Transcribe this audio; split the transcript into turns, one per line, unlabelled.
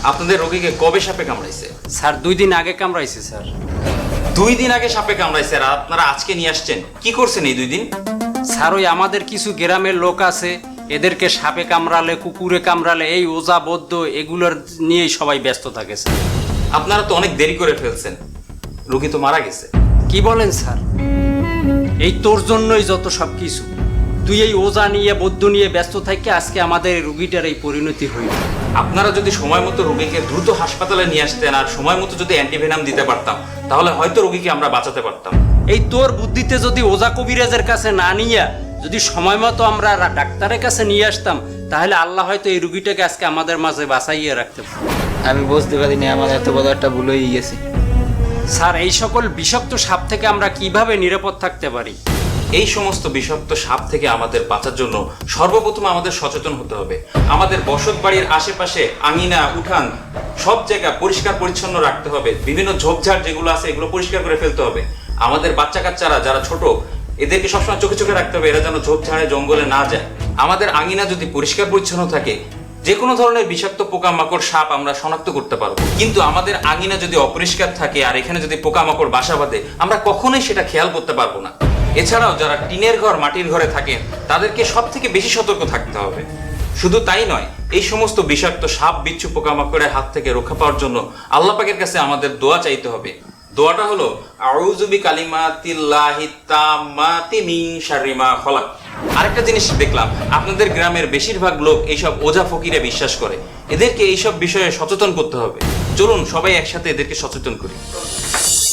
আপনাদের রোগীকে কবে সাপে কামড়াইছে?
স্যার 2 দিন আগে কামড়াইছে স্যার।
2 দিন আগে সাপে কামড়াইছে আর আপনারা আজকে নিয়ে আসছেন? কি করছেন এই 2 দিন?
স্যার ওই আমাদের কিছু গ্রামের লোক আছে, এদেরকে সাপে কামড়ালে, কুকুরে কামড়ালে, এই ওজা বদ্ধ এগুলোর নিয়েই সবাই ব্যস্ত থাকে স্যার।
আপনারা তো অনেক দেরি করে ফেলছেন, রোগী তো মারা গেছে।
কি বলেন স্যার? এই তোর জন্যই যত সব কিছু। তুই এই ওজা নিয়ে, বদ্ধ নিয়ে ব্যস্ত থাকি, আজকে আমাদের এই রুগীটার এই পরিণতি হইল।
আপনারা যদি সময় মতো রোগীকে দ্রুত হাসপাতালে নিয়ে আসতেন আর সময় মতো যদি অ্যান্টিভেনাম দিতে পারতাম, তাহলে হয়তো রোগীকে আমরা বাঁচাতে পারতাম।
এই তোর বুদ্ধিতে যদি ওজা কবিরাজের কাছে না নিয়ে যদি সময় মতো আমরা ডাক্তারের কাছে নিয়ে আসতাম, তাহলে আল্লাহ হয়তো এই রুগীটাকে আজকে আমাদের মাঝে বাঁচাইয়ে রাখতে পারত।
আমি বুঝতে পারিনি আমার এত বড় একটা ভুল হয়ে গেছে।
স্যার এই সকল বিষাক্ত সাপ থেকে আমরা কিভাবে নিরাপদ থাকতে পারি?
এই সমস্ত বিষাক্ত সাপ থেকে আমাদের বাঁচার জন্য সর্বপ্রথম আমাদের সচেতন হতে হবে। আমাদের বসত বাড়ির আশেপাশে আঙিনা, উঠান সব জায়গা পরিষ্কার পরিচ্ছন্ন রাখতে হবে। বিভিন্ন ঝোপঝাড় যেগুলো আছে এগুলো পরিষ্কার করে ফেলতে হবে। আমাদের বাচ্চা কাচ্চারা যারা ছোট, এদেরকে সবসময় চোখে চোখে রাখতে হবে, এরা যেন ঝোপঝাড়ে জঙ্গলে না যায়। আমাদের আঙিনা যদি পরিষ্কার পরিচ্ছন্ন থাকে, যে কোনো ধরনের বিষাক্ত পোকামাকড়, সাপ আমরা শনাক্ত করতে পারবো। কিন্তু আমাদের আঙিনা যদি অপরিষ্কার থাকে আর এখানে যদি পোকামাকড় বাসা বাঁধে, আমরা কখনোই সেটা খেয়াল করতে পারবো না। এছাড়াও যারা টিনের ঘর, মাটির ঘরে থাকেন, তাদেরকে সব থেকে বেশি সতর্ক থাকতে হবে। শুধু তাই নয়, এই সমস্ত বিষাক্ত সাপ, বিচ্ছু, পোকামাকড়ের হাত থেকে রক্ষা পাওয়ার জন্য আল্লাহ পাকের কাছে আমাদের দোয়া চাইতে হবে। দোয়াটা হলো আউযু বিকালিমাতিল্লাহি তাম্মাতি মিন শাররি মা খলাক। আরেকটা জিনিস দেখলাম, আপনাদের গ্রামের বেশিরভাগ লোক এইসব ওঝা ফকিরে বিশ্বাস করে। এদেরকে এইসব বিষয়ে সচেতন করতে হবে। চলুন সবাই একসাথে এদেরকে সচেতন করি।